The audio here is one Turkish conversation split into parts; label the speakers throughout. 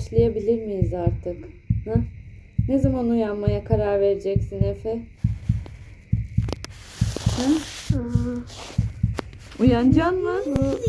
Speaker 1: başlayabilir miyiz artık? Ha? Ne zaman uyanmaya karar vereceksin Efe? Ha? Uyanacaksın mı?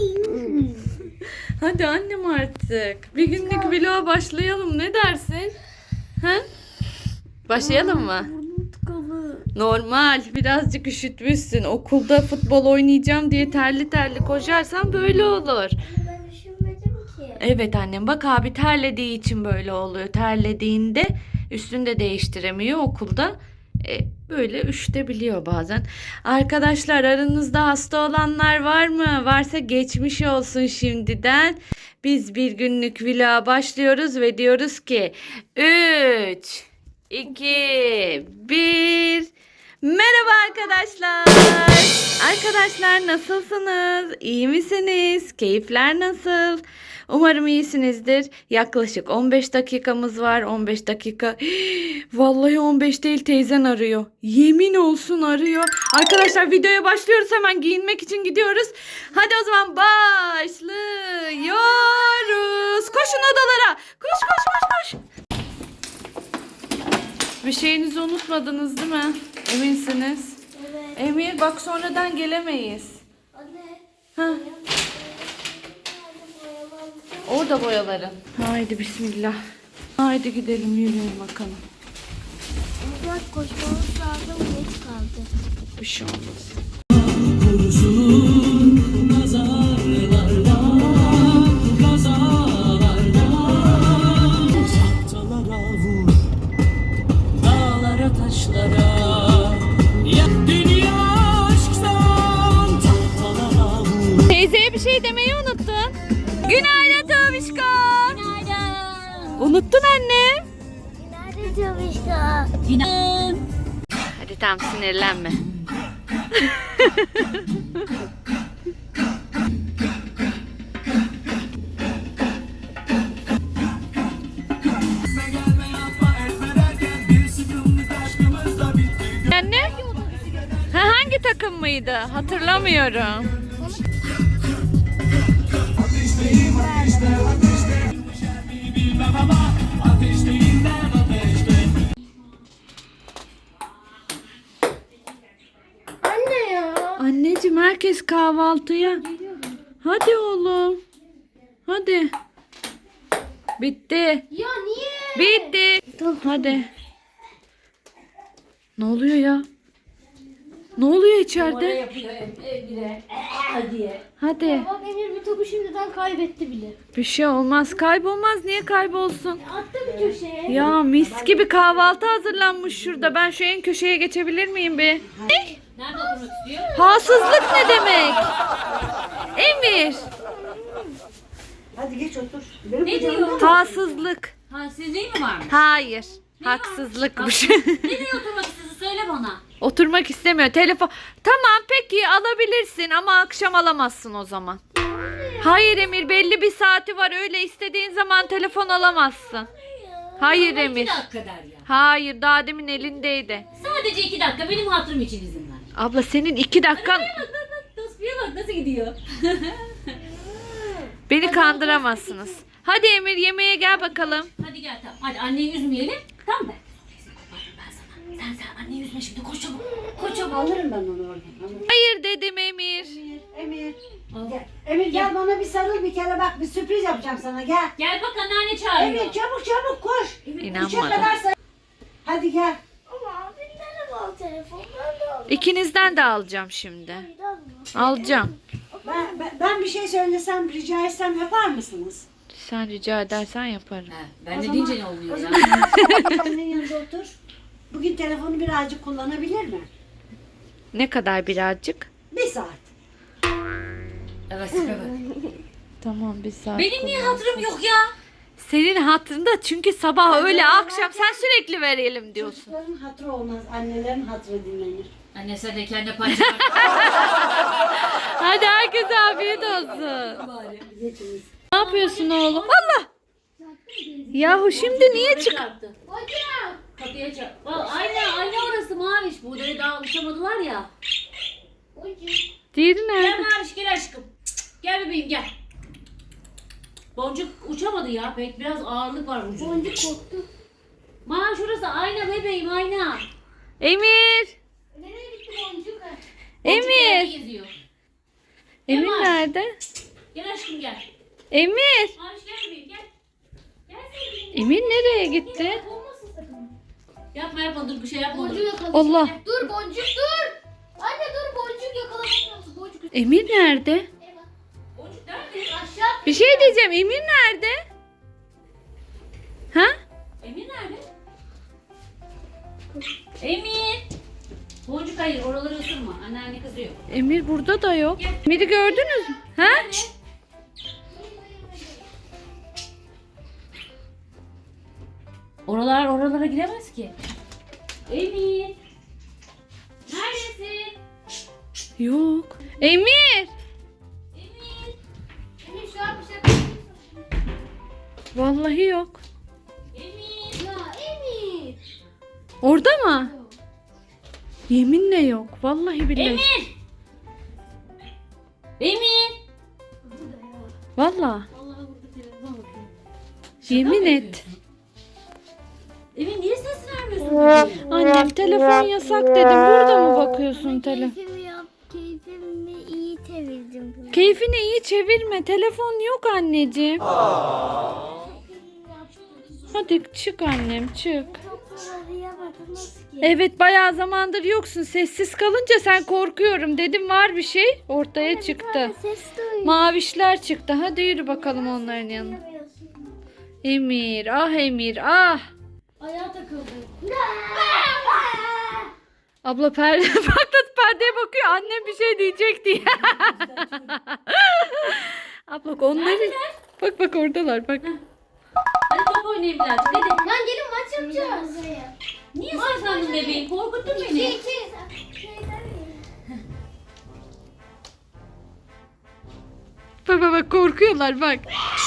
Speaker 1: Hadi annem artık. Bir günlük vloga başlayalım. Ne dersin? Ha? Başlayalım mı? Normal. Birazcık üşütmüşsün. Okulda futbol oynayacağım diye terli terli koşarsan böyle olur.
Speaker 2: Ben üşümedim ki.
Speaker 1: Evet annem, bak abi terlediği için böyle oluyor. Terlediğinde üstünü de değiştiremiyor okulda. Böyle üşütebiliyor bazen. Arkadaşlar, aranızda hasta olanlar var mı? Varsa geçmiş olsun şimdiden. Biz bir günlük vloga başlıyoruz ve diyoruz ki 3, 2, 1. Merhaba arkadaşlar. Arkadaşlar, nasılsınız? İyi misiniz? Keyifler nasıl? Umarım iyisinizdir. Yaklaşık 15 dakikamız var. 15 dakika. Vallahi 15 değil, teyzen arıyor. Yemin olsun arıyor. Arkadaşlar, videoya başlıyoruz. Hemen giyinmek için gidiyoruz. Hadi o zaman başlıyoruz. Koşun odalara. Koş koş koş koş. Bir şeyinizi unutmadınız değil mi? Eminsiniz.
Speaker 2: Evet.
Speaker 1: Emir, bak sonradan gelemeyiz.
Speaker 2: Anne.
Speaker 1: Ha. Orada boyaların. Haydi bismillah. Haydi gidelim, yürüyelim bakalım.
Speaker 2: Biraz koşmamız lazım. Geç kaldı.
Speaker 1: Bir şey olmaz.
Speaker 3: Dağlara taşlara dünya aşktan tahtalara vur.
Speaker 1: Teyzeye bir şey demeyi unuttun. Günaydın Tavişko.
Speaker 2: Günaydın.
Speaker 1: Unuttun annem.
Speaker 2: Günaydın Tavişka.
Speaker 3: Günaydın.
Speaker 1: Hadi tamam, sinirlenme. Anne? Ha, hangi takım mıydı? Hatırlamıyorum.
Speaker 2: Anne ya.
Speaker 1: Anneciğim, herkes kahvaltıya. Hadi oğlum. Hadi. Bitti.
Speaker 2: Ya niye?
Speaker 1: Bitti. Hadi. Ne oluyor ya? Ne oluyor içeride?
Speaker 3: Yapıyor evde diye.
Speaker 1: Hadi.
Speaker 2: Bak Emir bir topu şimdiden kaybetti bile.
Speaker 1: Bir şey olmaz. Kaybolmaz. Niye kaybolsun?
Speaker 2: Attı bir köşeye.
Speaker 1: Ya mis gibi kahvaltı hazırlanmış şurada. Ben şu en köşeye geçebilir miyim be?
Speaker 3: Nerede oturmak istiyor?
Speaker 1: Hasızlık ne demek? Emir.
Speaker 4: Hadi geç otur.
Speaker 3: Ne diyor?
Speaker 1: Hasızlık.
Speaker 3: Ha, sizliği mi varmış?
Speaker 1: Hayır. Haksızlıkmış.
Speaker 3: Nereye oturmak istiyorsun söyle bana.
Speaker 1: Oturmak istemiyor. Telefon. Tamam peki, alabilirsin ama akşam alamazsın o zaman. Hayır Emir, belli bir saati var. Öyle istediğin zaman telefon alamazsın. Hayır
Speaker 3: Ama
Speaker 1: Emir.
Speaker 3: 2 dakika der ya.
Speaker 1: Hayır, daha demin elindeydi.
Speaker 3: Sadece 2 dakika benim hatırım için izin ver.
Speaker 1: Abla, senin 2 dakikan,
Speaker 3: Bak tasfiye bak nasıl gidiyor.
Speaker 1: beni kandıramazsınız. Hadi Emir, yemeğe gel bakalım.
Speaker 3: Hadi gel tamam. Hadi anneyi üzmeyelim. Tamam mı? Ben sana. Sen anneyi üzme şimdi koş çabuk. Koş çabuk.
Speaker 4: Alırım ben onu oradan. Alırım.
Speaker 1: Hayır dedim Emir.
Speaker 4: Emir.
Speaker 3: Al.
Speaker 4: Gel. Emir gel bana bir sarıl bir kere, bak bir sürpriz yapacağım sana, gel.
Speaker 3: Gel bak anneanne çağırıyor.
Speaker 4: Emir çabuk çabuk koş. Üçe
Speaker 1: İnanmadım.
Speaker 4: kadar say. Hadi gel.
Speaker 2: Ama abimden al telefon. Ben de al.
Speaker 1: İkinizden de alacağım şimdi.
Speaker 2: Bir daha mı?
Speaker 1: Alacağım.
Speaker 4: Ben bir şey söylesem, rica etsem yapar mısınız?
Speaker 1: Sen rica edersen yaparım.
Speaker 3: Ben de deyince ne oluyor ya?
Speaker 4: Senin yanında otur. Bugün telefonu birazcık kullanabilir mi?
Speaker 1: Ne kadar birazcık?
Speaker 4: Bir saat.
Speaker 3: Evet.
Speaker 1: Tamam, bir saat.
Speaker 3: Benim niye hatırım yok ya?
Speaker 1: Senin hatırında, çünkü sabah öyle akşam sen sürekli verelim diyorsun.
Speaker 4: Çocukların hatırı olmaz, annelerin hatırı dinlenir.
Speaker 3: Anne sen de kendi parça
Speaker 1: Hadi herkese afiyet olsun.
Speaker 3: bari.
Speaker 4: Geçiniz.
Speaker 1: Ne yapıyorsun oğlum? Allah! Yahu şimdi niye çık?
Speaker 3: Çarptı.
Speaker 2: Hocam.
Speaker 3: Kapıya çarptı. Ayna orası Maviş. Burada daha alışamadılar ya.
Speaker 2: Hocam.
Speaker 1: Diğeri
Speaker 3: Gel
Speaker 1: nerede?
Speaker 3: Maviş gel aşkım. Gel bebeğim gel. Boncuk uçamadı ya pek. Biraz ağırlık var ucunda.
Speaker 2: Boncuk korktu.
Speaker 3: Şurası ayna bebeğim ayna.
Speaker 1: Emir.
Speaker 2: Nereye gitti boncuk?
Speaker 3: Boncuk yerde
Speaker 1: Emir.
Speaker 3: geziyor.
Speaker 1: Emir
Speaker 3: Emir.
Speaker 1: nerede?
Speaker 3: Gel aşkım gel.
Speaker 1: Emir.
Speaker 3: Maviş gel bebeğim gel. Gel sevgilim.
Speaker 1: Emir nereye gitti?
Speaker 2: Olmasın sakın.
Speaker 3: Yapma dur bir şey yapma.
Speaker 2: Boncuğu yakala.
Speaker 1: Allah.
Speaker 2: Dur boncuk dur. Anne dur boncuk yakalamıyorsun. Boncuk.
Speaker 1: Emir nerede?
Speaker 3: Boncuk nerede?
Speaker 2: Aşağı.
Speaker 1: Bir şey diyeceğim. Emir nerede? Ha?
Speaker 3: Emir nerede? Emir. Boncuk hayır oraları ısırma. Anneanne kızıyor.
Speaker 1: Emir burada da yok. Emir'i gördünüz mü? Ha?
Speaker 3: Nerede? Oralara giremez ki. Emir. Neredesin?
Speaker 1: Yok. Emir.
Speaker 3: Emir.
Speaker 2: Emir şu an bir şey yapıyorsun.
Speaker 1: Vallahi yok.
Speaker 3: Emir.
Speaker 2: Ya Emir.
Speaker 1: Orada mı? Yeminle yok. Vallahi billahi.
Speaker 3: Emir. Emir.
Speaker 2: Burada ya.
Speaker 1: Vallahi.
Speaker 2: Vallahi burada telefon bakıyor.
Speaker 1: Yemin
Speaker 3: mı
Speaker 1: et.
Speaker 3: yapıyorsun? Emir niye ses vermiyorsun?
Speaker 1: Annem telefon yasak dedim. Burada mı bakıyorsun telefon?
Speaker 2: Keyfimi iyi çevirdim.
Speaker 1: Keyfini iyi çevirme. Telefon yok anneciğim. Hadi çık annem çık. Evet bayağı zamandır yoksun. Sessiz kalınca sen korkuyorum dedim var bir şey. Ortaya çıktı.
Speaker 2: Ses duyuyorum.
Speaker 1: Mavişler çıktı. Hadi yürü bakalım onların yanına. Emir ah Emir ah.
Speaker 2: Ayağa takıldı.
Speaker 1: Abla perde patlat perdeye bakıyor. Annem bir şey diyecek diye. Abla onları bak bak oradalar bak.
Speaker 3: Hadi top oynayayım birazcık hadi.
Speaker 2: Lan gelin maç yapacağız.
Speaker 3: Niye saklandın bebeğim? Korkuttun beni.
Speaker 1: Bak bak bak korkuyorlar bak.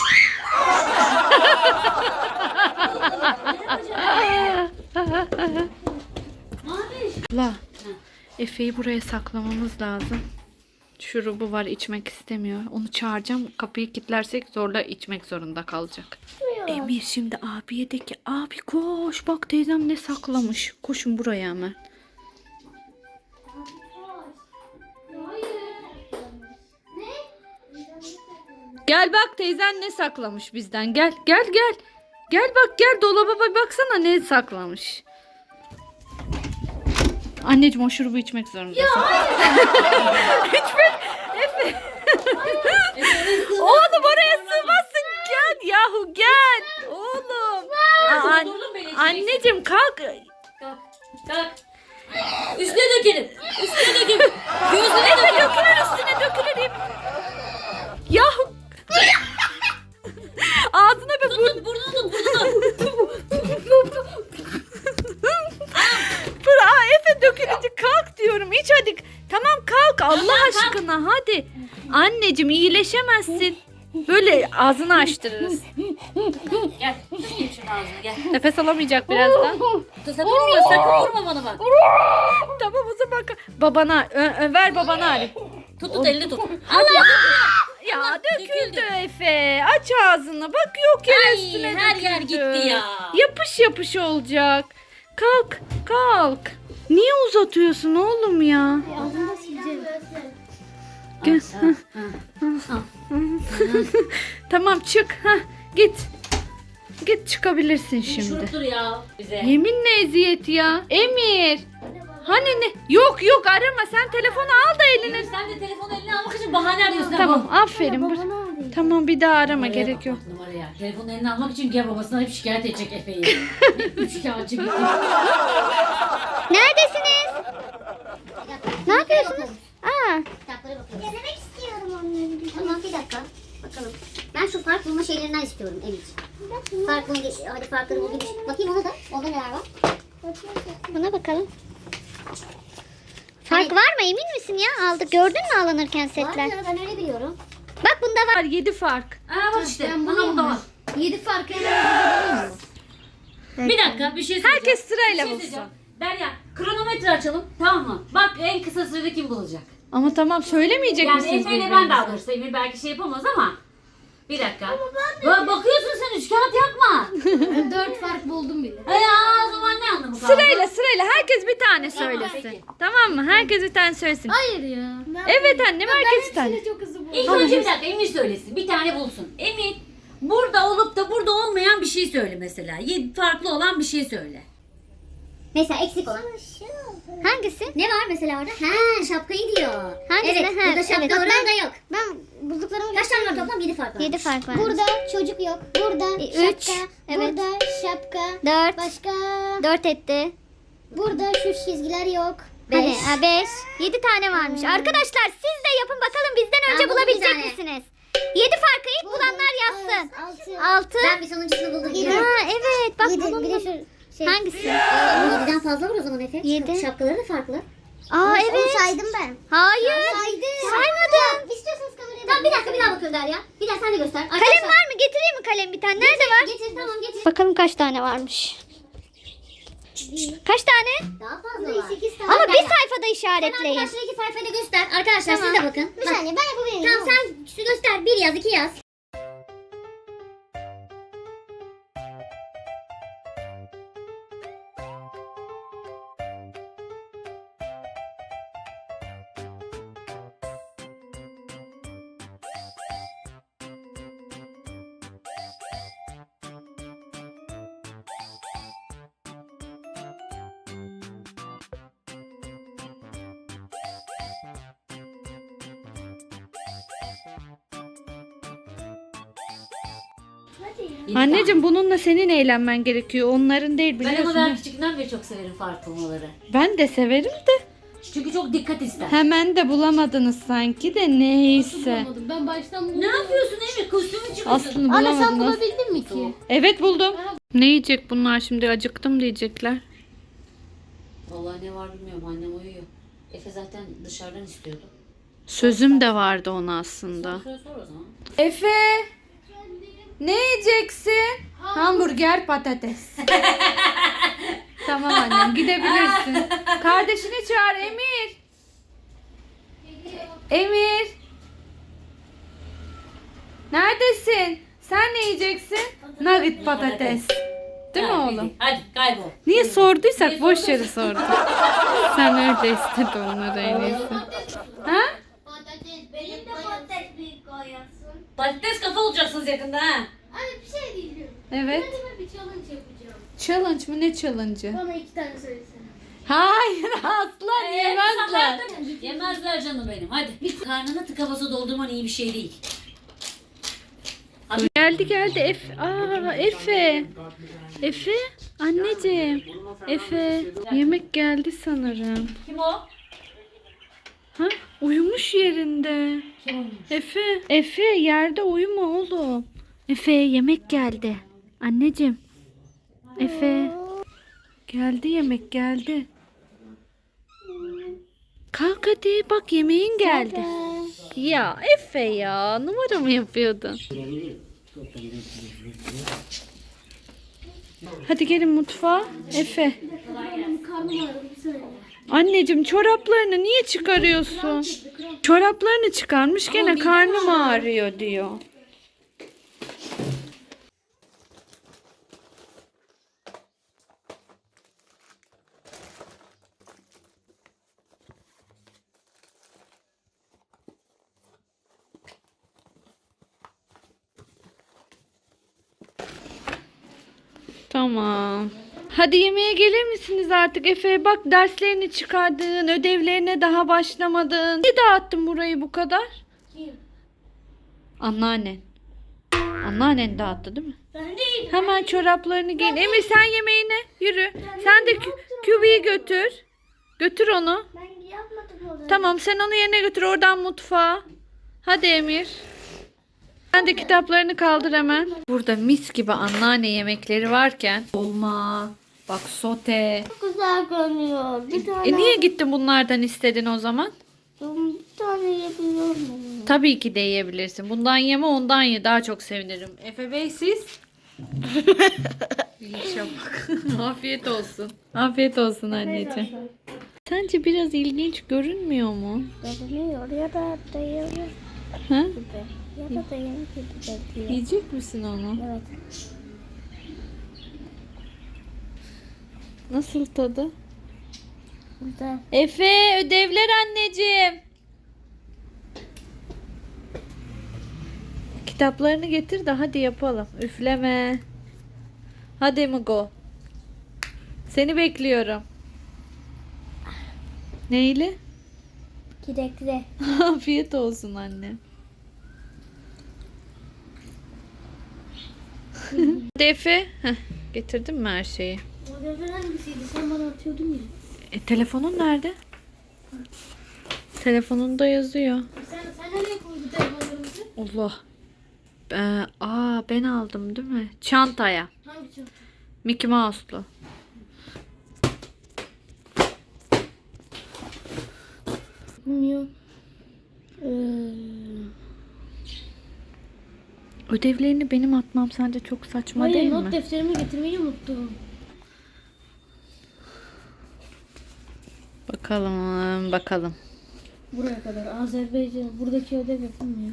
Speaker 3: Maviş.
Speaker 1: Abla Efe'yi buraya saklamamız lazım. Şurubu var içmek istemiyor. Onu çağıracağım. Kapıyı kilitlersek zorla içmek zorunda kalacak. Emir şimdi abiye de ki abi koş bak teyzem ne saklamış. Koşun buraya hemen. Gel bak teyzen ne saklamış bizden. Gel gel gel. Gel bak gel dolaba baksana ne saklamış. Anneciğim o şurubu içmek zorundasın. Oğlum oraya sığmazsın. Gel yahu gel. Oğlum.
Speaker 3: Durdurdun beni.
Speaker 1: Anneciğim kalk.
Speaker 3: Kalk. Kalk. Üstüne dökelim. Üstüne dökelim. Gözüne dökelim.
Speaker 1: Dökülür üstüne dökülür. Yahu. Ağzına bir
Speaker 3: Tut burnunu
Speaker 1: Efe dökülecek kalk diyorum. İç hadi. Tamam kalk Allah aşkına hadi. Anneciğim iyileşemezsin. Böyle ağzını açtırırız.
Speaker 3: Gel. Tutayım şunu ağzını gel.
Speaker 1: Nefes alamayacak birazdan.
Speaker 3: Sakın vurma bana bak.
Speaker 1: Tamam o zaman babana ver babana Ali.
Speaker 3: Tut elini tut.
Speaker 1: Ya döküldü Efe. Aç ağzını. Bak yok yere
Speaker 3: Ay,
Speaker 1: üstüne
Speaker 3: her
Speaker 1: döküldü.
Speaker 3: yer gitti ya.
Speaker 1: Yapış yapış olacak. Kalk kalk. Niye uzatıyorsun oğlum ya?
Speaker 2: Ağzını sileceğim.
Speaker 1: Gel. Tamam çık. Hah, git. Git çıkabilirsin şimdi.
Speaker 3: Şuruptur ya bize.
Speaker 1: Yeminle eziyet ya. Emir. Hani ne? Yok yok arama. Sen telefonu al da eline.
Speaker 3: Sen de telefonu eline almak için bahane arıyorsun.
Speaker 1: Tamam aferin. Tamam bir daha arama gerek yok.
Speaker 3: Numaraya. Telefonu eline almak için gel babasına hep şikayet edecek Efe'yi. Üç kağıtçı gitti.
Speaker 2: Neredesiniz? Ne yapıyorsunuz? Aa.
Speaker 5: Kitaplara bakıyoruz. Denemek istiyorum onları. Tamam bir dakika. Bakalım. Ben şu fark bulma şeylerinden istiyorum Emic. Fark bulma, hadi farkları bulayım. Bakayım ona da. Onda neler var?
Speaker 2: Buna bakalım. Fark var mı emin misin ya? Aldık gördün mü alınırken
Speaker 5: Var
Speaker 2: setler?
Speaker 5: ya ben öyle biliyorum.
Speaker 2: Bak bunda var.
Speaker 1: 7 fark.
Speaker 3: Aa bak işte. Aha bu da var.
Speaker 5: 7 farkı hemen bulayım mı?
Speaker 3: Bir dakika bir şey söyleyeceğim.
Speaker 1: Herkes sırayla
Speaker 3: Bir şey
Speaker 1: bulsun.
Speaker 3: söyleyeceğim. Derya kronometre açalım tamam mı? Bak en kısa sürede kim bulacak?
Speaker 1: Ama tamam söylemeyecek
Speaker 3: Yani
Speaker 1: misiniz
Speaker 3: Efe ile ben
Speaker 1: birbirinize?
Speaker 3: daha doğrusu Emir belki şey yapamaz ama Bir dakika. Bakıyorsun sen, üç kağıt yapma.
Speaker 2: 4 fark buldum bile.
Speaker 3: Ya o zaman ne anlamı kaldı?
Speaker 1: Sırayla herkes bir tane söylesin.
Speaker 3: peki.
Speaker 1: Tamam mı? Herkes bir tane söylesin.
Speaker 2: Hayır ya.
Speaker 1: Evet annem, herkes bir tane.
Speaker 2: Çok hızlı buldum.
Speaker 3: İlk önce bir dakika Emir söylesin. Bir tane bulsun. Emir burada olup da burada olmayan bir şey söyle mesela. Farklı olan bir şey söyle.
Speaker 5: Mesela eksik olan. Hangisi? Ne var mesela orada? Ha, şapkayı diyor. Hangisi? Evet, burada şapka var, orada yok. Ben bulduklarımı kaç tane var toplam? 7 fark var. 7 fark var. Burada çocuk yok. Burada şapka. Evet. Burada şapka. 4. Başka? 4 etti. Burada şu çizgiler yok. 5. Hadi 5. 7 tane varmış. Arkadaşlar siz de yapın bakalım, bizden önce bulabilecek misiniz? 7 farkı ilk bulanlar yazsın. 6. Ben bir sonuncusunu buldum. Ha evet, bak bulundum. Hangisi? 7'den fazla var o zaman Efe. 7. Şapkaları da farklı. Aa evet. Onu saydım ben. Hayır. Saymadım. İstiyorsanız kameraya. Tamam, bir dakika, bir daha bakıyorum Derya. Bir daha sen de göster. Kalem var mı? Getireyim mi kalem bir tane? Nerede var? Getir, tamam getir.
Speaker 6: Bakalım kaç tane varmış.
Speaker 5: Kaç tane? Daha fazla var. 8 tane.
Speaker 6: Ama bir
Speaker 5: Derya.
Speaker 6: sayfada
Speaker 5: Sen
Speaker 6: işaretleyin.
Speaker 5: arkadaşlar 2 sayfayı da göster. Arkadaşlar siz de bakın. Bir saniye, ben yapabilirim. Tamam, sen göster. 1 yaz, 2 yaz.
Speaker 1: Anneciğim bununla senin eğlenmen gerekiyor. Onların değil,
Speaker 3: Ben
Speaker 1: biliyorsun.
Speaker 3: ama ben
Speaker 1: değil mi?
Speaker 3: küçükten beri çok severim fark bulmaları.
Speaker 1: Ben de severim de.
Speaker 3: Çünkü çok dikkat ister.
Speaker 1: Hemen de bulamadınız sanki de, neyse.
Speaker 2: Bulamadım. Ben baştan buldum.
Speaker 3: Ne yapıyorsun Emir? Kostümü çıkıyorsun.
Speaker 1: Aslında
Speaker 2: Anne sen
Speaker 1: bulamadınız.
Speaker 2: bulabildin mi ki?
Speaker 1: Evet buldum. Ne yiyecek bunlar şimdi? Acıktım diyecekler.
Speaker 3: Vallahi ne var bilmiyorum, annem uyuyor. Efe zaten dışarıdan istiyordu.
Speaker 1: Sözüm de vardı ona aslında.
Speaker 3: Sor o zaman.
Speaker 1: Efe, ne yiyeceksin? Hamburger, patates. Tamam annem, gidebilirsin. Kardeşini çağır Emir. Emir. Neredesin? Sen ne yiyeceksin? Nugget patates. Değil mi oğlum?
Speaker 3: Hadi kaybol.
Speaker 1: Niye sorduysak boş yere sorduk. Sen öyle istedin onları en iyisi. Ha?
Speaker 2: Patates, benim de patates büyük koyarsın.
Speaker 3: Patates kafa olacaksınız yakında ha.
Speaker 2: Anne bir şey diyeceğim.
Speaker 1: Evet.
Speaker 2: Ben bir challenge yapacağım.
Speaker 1: Challenge mı? Ne challenge'ı?
Speaker 2: Bana 2 tane söylesene.
Speaker 1: Hayır aslan yemezler.
Speaker 3: Yemezler canım benim. Hadi. Karnını tıka basa doldurman iyi bir şey değil.
Speaker 1: Geldi Efe. Aa Efe. Efe anneciğim. Efe yemek geldi sanırım.
Speaker 3: Kim o?
Speaker 1: Ha uyumuş yerinde.
Speaker 3: Kim oynuyor?
Speaker 1: Efe yerde uyuma oğlum. Efe yemek geldi. Anneciğim. Efe. Geldi yemek geldi. Kalk hadi bak yemeğin geldi. Ya Efe ya numara mı yapıyordun? Hadi gelin mutfağa. Efe.
Speaker 2: Karnım ağrıdı, bir söyle.
Speaker 1: Anneciğim çoraplarını niye çıkarıyorsun? Çoraplarını çıkarmış gene karnım ağrıyor diyor. Tamam. Hadi yemeğe gelir misiniz artık Efe? Bak derslerini çıkardın, ödevlerine daha başlamadın. Niye dağıttın burayı bu kadar?
Speaker 2: Kim?
Speaker 1: Anneannen. Anneannen dağıttı değil mi?
Speaker 2: Ben değilim.
Speaker 1: Hemen çoraplarını giyin. Emir sen yemeğine yürü. Sen de kübiyi götür. Götür onu.
Speaker 2: Ben yapmadım onu.
Speaker 1: Tamam sen onu yerine götür oradan mutfağa. Hadi Emir. Sen de kitaplarını kaldır hemen. Burada mis gibi anneanne yemekleri varken dolma, bak sote.
Speaker 2: Çok güzel görünüyor. Bir tane,
Speaker 1: Niye gittin bunlardan istedin o zaman?
Speaker 2: bir tane yiyebiliyor muyum?
Speaker 1: Tabii ki de yiyebilirsin. Bundan yeme ondan ye. Daha çok sevinirim. Efe Bey siz? İyi bak. Afiyet olsun. Afiyet olsun anneciğim. Sence biraz ilginç görünmüyor mu?
Speaker 2: Görünüyor ya da dayıyor.
Speaker 1: Ha?
Speaker 5: Ya da yemek yiyecek.
Speaker 1: Yiyecek misin onu?
Speaker 5: Evet.
Speaker 1: Nasıl tadı?
Speaker 5: Güzel.
Speaker 1: Efe, ödevler anneciğim. Kitaplarını getir de hadi yapalım. Üfleme. Hadi Mugo. Seni bekliyorum. Neyle?
Speaker 5: Kirekli.
Speaker 1: Afiyet olsun anne. Hadi Efe. Heh, getirdin mi her şeyi?
Speaker 2: Ödevler hangisiydi? Sen bana atıyordun ya.
Speaker 1: Telefonun nerede? Telefonunda yazıyor.
Speaker 2: Sen nereye koydun telefonlarımızı?
Speaker 1: Allah. Ben aldım değil mi? Çantaya.
Speaker 2: Hangi çanta?
Speaker 1: Mickey Mouse'lu.
Speaker 2: Bilmiyorum.
Speaker 1: Ödevlerini benim atmam sence çok saçma
Speaker 2: Hayır,
Speaker 1: değil
Speaker 2: not
Speaker 1: mi?
Speaker 2: defterimi getirmeyi unuttum.
Speaker 1: Bakalım.
Speaker 2: Buraya kadar. Azerbaycan. Buradaki ödev yapılmıyor.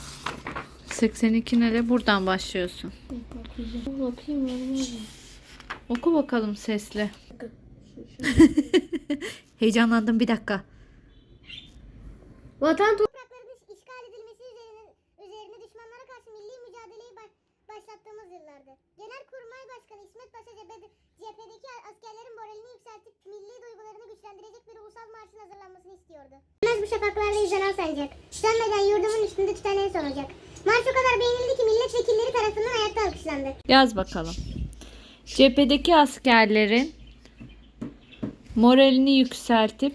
Speaker 1: 82 nereye? Buradan başlıyorsun.
Speaker 2: Bakayım ya.
Speaker 1: Oku bakalım sesli. Heyecanlandım bir dakika.
Speaker 2: Vatan
Speaker 5: Toprakların işgal edilmesi üzerine düşmanlara karşı milli mücadeleyi başlattığımız yıllardı. Genelkurmay Başkanı İsmet Paşa cephedeki askerlerin moralini yükseltip milli duygularını güçlendirecek bir ulusal marşın hazırlanmasını istiyordu. Bu şafaklarda izlenen sancak. Sönmeden yurdumun üstünde tüten en son ocak. Marş o kadar beğenildi ki milletvekilleri tarafından ayakta alkışlandı.
Speaker 1: Yaz bakalım. Cephedeki askerlerin moralini yükseltip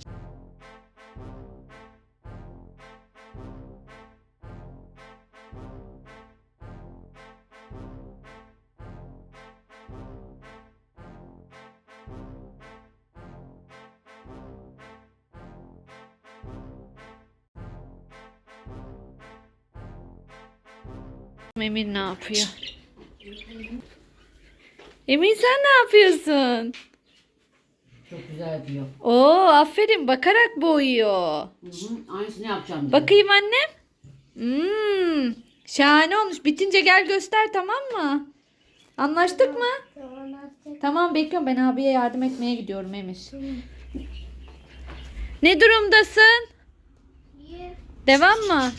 Speaker 1: Emir ne yapıyor? Emir sen ne yapıyorsun?
Speaker 3: Çok güzel diyor.
Speaker 1: Oo, aferin, bakarak boyuyor.
Speaker 3: Aynısını yapacağım diyor.
Speaker 1: Bakayım annem. Şahane olmuş. Bitince gel göster, tamam mı? Anlaştık mı? Tamam, bekliyorum. Ben abiye yardım etmeye gidiyorum Emir. Ne durumdasın? Devam mı?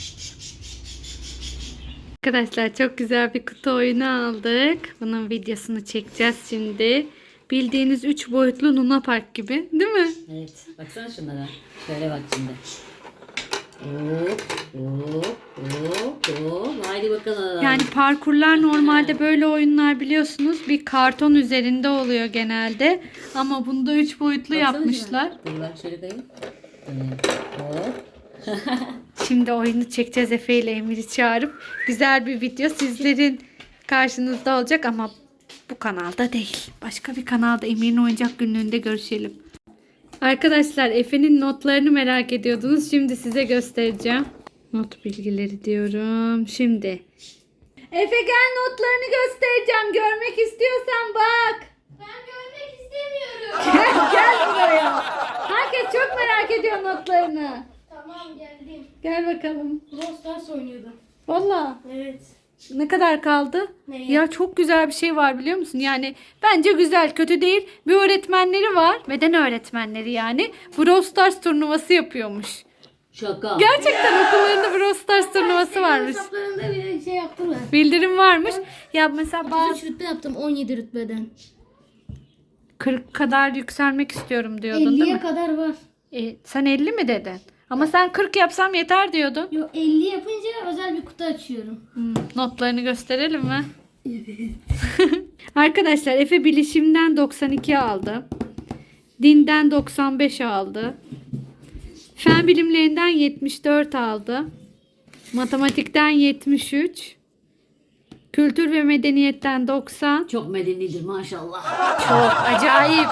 Speaker 1: Arkadaşlar çok güzel bir kutu oyunu aldık. Bunun videosunu çekeceğiz şimdi. Bildiğiniz 3 boyutlu Luna Park gibi, değil mi?
Speaker 3: Evet. Baksana şunlara. Şöyle bak şimdi. Hop hop hop hop. Haydi bakalım.
Speaker 1: Yani parkurlar normalde böyle oyunlar biliyorsunuz bir karton üzerinde oluyor genelde. Ama bunda 3 boyutlu
Speaker 3: Baksana
Speaker 1: yapmışlar.
Speaker 3: şuna. Dur bak şöyle kayayım. Hop.
Speaker 1: Şimdi oyunu çekeceğiz, Efe ile Emir'i çağırıp güzel bir video sizlerin karşınızda olacak ama bu kanalda değil. Başka bir kanalda Emir'in oyuncak günlüğünde görüşelim. Arkadaşlar Efe'nin notlarını merak ediyordunuz. Şimdi size göstereceğim. Not bilgileri diyorum. Şimdi. Efe gel, notlarını göstereceğim. Görmek istiyorsan bak.
Speaker 2: Ben görmek istemiyorum.
Speaker 1: Gel buraya. Herkes çok merak ediyor notlarını.
Speaker 2: Tamam geldim.
Speaker 1: Gel bakalım.
Speaker 2: Brawl Stars oynuyordu.
Speaker 1: Vallahi.
Speaker 2: Evet.
Speaker 1: Ne kadar kaldı?
Speaker 2: Neye?
Speaker 1: Ya çok güzel bir şey var biliyor musun? Yani bence güzel, kötü değil. Bir öğretmenleri var. Beden öğretmenleri yani. Brawl Stars turnuvası yapıyormuş.
Speaker 3: Şaka.
Speaker 1: Gerçekten okullarında Brawl Stars turnuvası varmış.
Speaker 2: Hesaplarında bir şey yaptılar.
Speaker 1: Bildirim varmış. Ya mesela bazı
Speaker 2: 33 rütbe yaptım 17 rütbeden.
Speaker 1: 40 kadar yükselmek istiyorum diyordun değil
Speaker 2: 50'ye
Speaker 1: mi?
Speaker 2: kadar var.
Speaker 1: Sen 50 mi dedin? Ama sen 40 yapsam yeter diyordun.
Speaker 2: Yo 50 yapınca özel bir kutu açıyorum.
Speaker 1: Notlarını gösterelim mi? Arkadaşlar Efe bilişimden 92 aldı. Dinden 95 aldı. Fen bilimlerinden 74 aldı. Matematikten 73. Kültür ve medeniyetten 90.
Speaker 3: Çok medenidir maşallah.
Speaker 1: Çok acayip.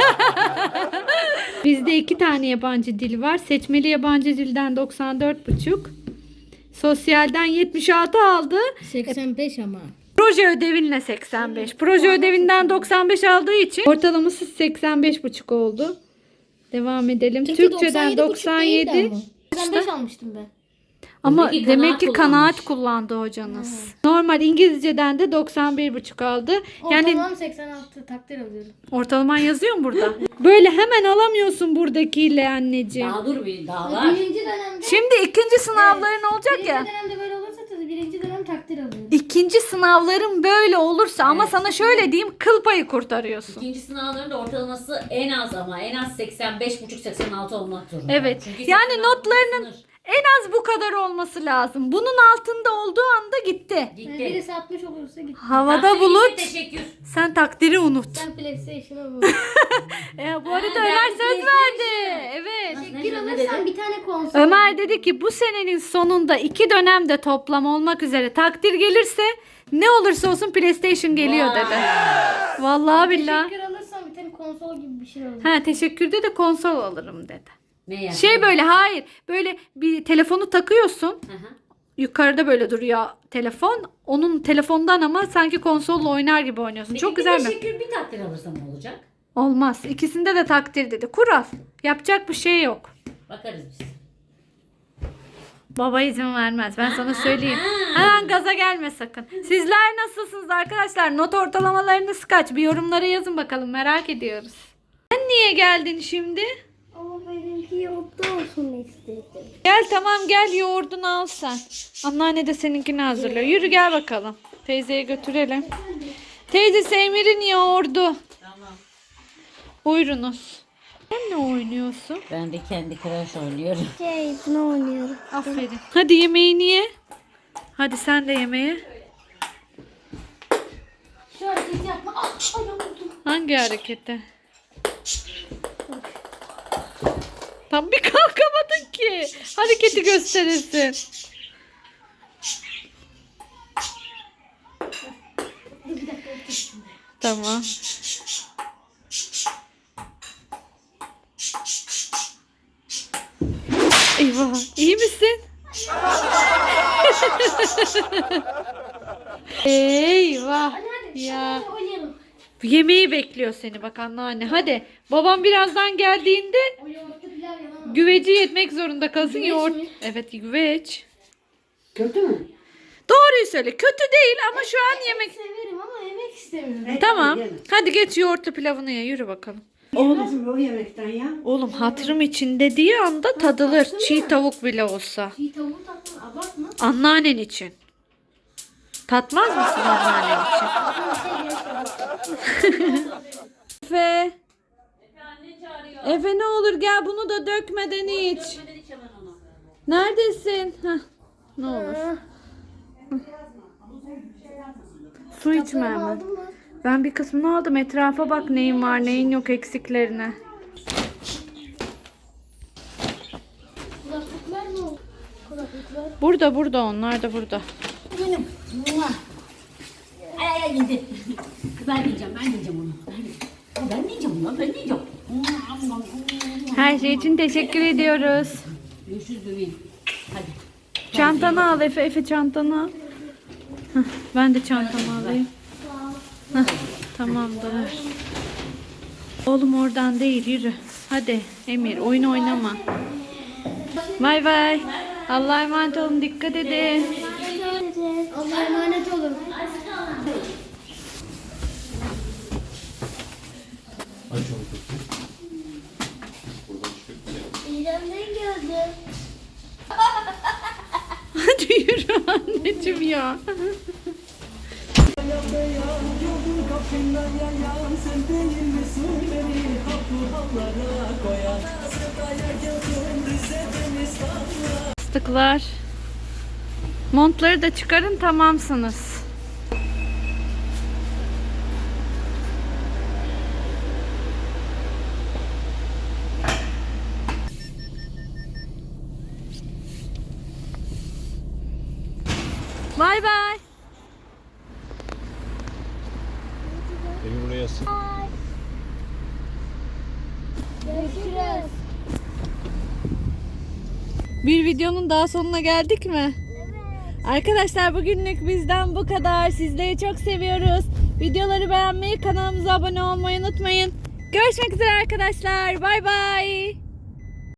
Speaker 1: Bizde 2 tane yabancı dil var. Seçmeli yabancı dilden 94,5. Sosyalden 76 aldı.
Speaker 2: 85 ama.
Speaker 1: Proje ödevinle 85. Proje ödevinden 95 aldığı için ortalaması 85,5 oldu. Devam edelim. Türkçeden 97.
Speaker 2: 85 almıştım ben.
Speaker 1: Ama
Speaker 3: Demek ki
Speaker 1: demek ki
Speaker 3: kanaat
Speaker 1: kanaat kullandı hocanız. Normal İngilizceden de 91,5 aldı. Yani
Speaker 2: Ortalamam 86 takdir alıyorum.
Speaker 1: ortalaman yazıyor mu burada? Böyle hemen alamıyorsun buradakiyle anneciğim.
Speaker 3: Daha dur bir daha var.
Speaker 2: Birinci dönemde
Speaker 1: Şimdi ikinci sınavların olacak
Speaker 2: birinci
Speaker 1: ya.
Speaker 2: dönemde böyle olursa tabii birinci dönem takdir alıyorum.
Speaker 1: İkinci sınavların böyle olursa ama
Speaker 3: Evet.
Speaker 1: sana şöyle diyeyim, kıl payı kurtarıyorsun.
Speaker 3: İkinci sınavların da ortalaması en az ama en az 85,5-86 olmak zorunda.
Speaker 1: Evet.
Speaker 3: Çünkü
Speaker 1: Yani
Speaker 3: 86
Speaker 1: notlarının
Speaker 3: sınır.
Speaker 1: en az bu kadar olması lazım. Bunun altında olduğu anda gitti.
Speaker 2: Yani
Speaker 3: Gitti.
Speaker 2: birisi 60 olursa git.
Speaker 1: Havada
Speaker 3: Takdir
Speaker 1: bulut.
Speaker 3: gitti, teşekkür.
Speaker 1: Sen takdiri unut.
Speaker 2: Ben PlayStation'a bu.
Speaker 1: Bu arada
Speaker 3: ben
Speaker 1: Ömer
Speaker 3: de
Speaker 1: söz verdi. Evet.
Speaker 2: Bir
Speaker 3: Ne
Speaker 2: alırsam
Speaker 3: dedin?
Speaker 2: bir tane konsol.
Speaker 1: Ömer dedi ki bu senenin sonunda 2 dönemde toplam olmak üzere takdir gelirse ne olursa olsun PlayStation geliyor
Speaker 3: Vay.
Speaker 1: dedi. Vallahi billahi.
Speaker 2: Teşekkür alırsam bir tane konsol gibi bir şey alırım.
Speaker 1: Ha, teşekkürde de konsol alırım dedi.
Speaker 3: Ne yani?
Speaker 1: Şey böyle, hayır, böyle bir telefonu takıyorsun.
Speaker 3: Hı hı.
Speaker 1: Yukarıda böyle duruyor telefon. Onun telefondan ama sanki konsolla oynar gibi oynuyorsun.
Speaker 3: Peki
Speaker 1: Çok
Speaker 3: bir
Speaker 1: güzel mi?
Speaker 3: teşekkür bir takdir alırsam olacak.
Speaker 1: Olmaz. İkisinde de takdir dedi. Kural. Yapacak bir şey yok.
Speaker 3: Bakarız biz.
Speaker 1: Baba izin vermez. Ben sana söyleyeyim. Hemen gaza gelme sakın. Sizler nasılsınız arkadaşlar? Not ortalamalarınız kaç? Bir yorumlara yazın bakalım. Merak ediyoruz. Sen niye geldin şimdi?
Speaker 2: Ama benimki yoğurtlu olsun istedim.
Speaker 1: Gel tamam, gel yoğurdunu al sen. Anneanne de seninkini hazırlıyor. Yürü gel bakalım. Teyzeye götürelim. Teyze Emir'in yoğurdu.
Speaker 3: Tamam.
Speaker 1: Buyurunuz. Sen ne oynuyorsun?
Speaker 3: Ben de kendi Crash oynuyorum.
Speaker 2: Bunu oynuyorum.
Speaker 1: Aferin. Hadi yemeğini ye. Hadi sen de yemeğe.
Speaker 2: Şu hareketi yapma. Ah, ayağım vurdum.
Speaker 1: Hangi hareketi? Tam bir kalkamadın ki. Hareketi gösterirsin. Tamam. Eyvah. İyi misin? Eyvah. Ya.
Speaker 2: Hadi oynayalım.
Speaker 1: Yemeği bekliyor seni bak anneanne. Hadi. Babam birazdan geldiğinde
Speaker 2: O yoğurtlu pilav yalan.
Speaker 1: güveci yetmek zorunda kalsın.
Speaker 2: Güveç
Speaker 1: Yoğurt.
Speaker 2: mi?
Speaker 1: Evet, güveç.
Speaker 4: Kötü mü?
Speaker 1: Doğruyu söyle. Kötü değil ama şu an yemek.
Speaker 2: Severim ama yemek istemiyorum.
Speaker 1: Tamam.
Speaker 4: Yeme.
Speaker 1: Hadi geç yoğurtlu pilavını ye. Yürü bakalım.
Speaker 4: Oğlum o yemekten ya.
Speaker 1: Oğlum hatırım için dediği anda tadılır. Çiğ tavuk bile olsa.
Speaker 2: Çiğ tavuğu tatma. Abartma.
Speaker 1: Anneannen için. Tatmaz mısın anneannen için? Efe. Efe ne olur gel, bunu da dökmeden iç. Neredesin? Heh, ne olur. Su içme hemen.
Speaker 2: Aldın mı?
Speaker 1: Ben bir kısmını aldım. Etrafa bak, neyin var neyin yok, eksiklerine.
Speaker 2: Kulaklıklar mı oldu? Kulaklıklar.
Speaker 1: Burada onlar da burada.
Speaker 3: Benim. Ay ay yedi. Ben diyeceğim onu. Ben diyeceğim lan, ben diyeceğim.
Speaker 1: Her şey için teşekkür ediyoruz.
Speaker 3: Görüşürüz bebeğim. Hadi.
Speaker 1: Çantanı al Efe. Efe çantanı al. Heh, ben de çantamı alayım. Heh, tamamdır. Oğlum oradan değil, yürü. Hadi Emir, oyun oynama. Bay bay. Allah'a emanet olun, dikkat edin.
Speaker 2: Allah'a emanet olun. İrem'den geldi.
Speaker 1: Hadi yürü anneciğim ya. Fıstıklar. Montları da çıkarın, tamamsınız. Bay bay.
Speaker 6: Beni buraya sığ.
Speaker 2: Görüşürüz.
Speaker 1: Bir videonun daha sonuna geldik mi? Evet. Arkadaşlar bugünlük bizden bu kadar. Sizleri çok seviyoruz. Videoları beğenmeyi, kanalımıza abone olmayı unutmayın. Görüşmek üzere arkadaşlar. Bay bay.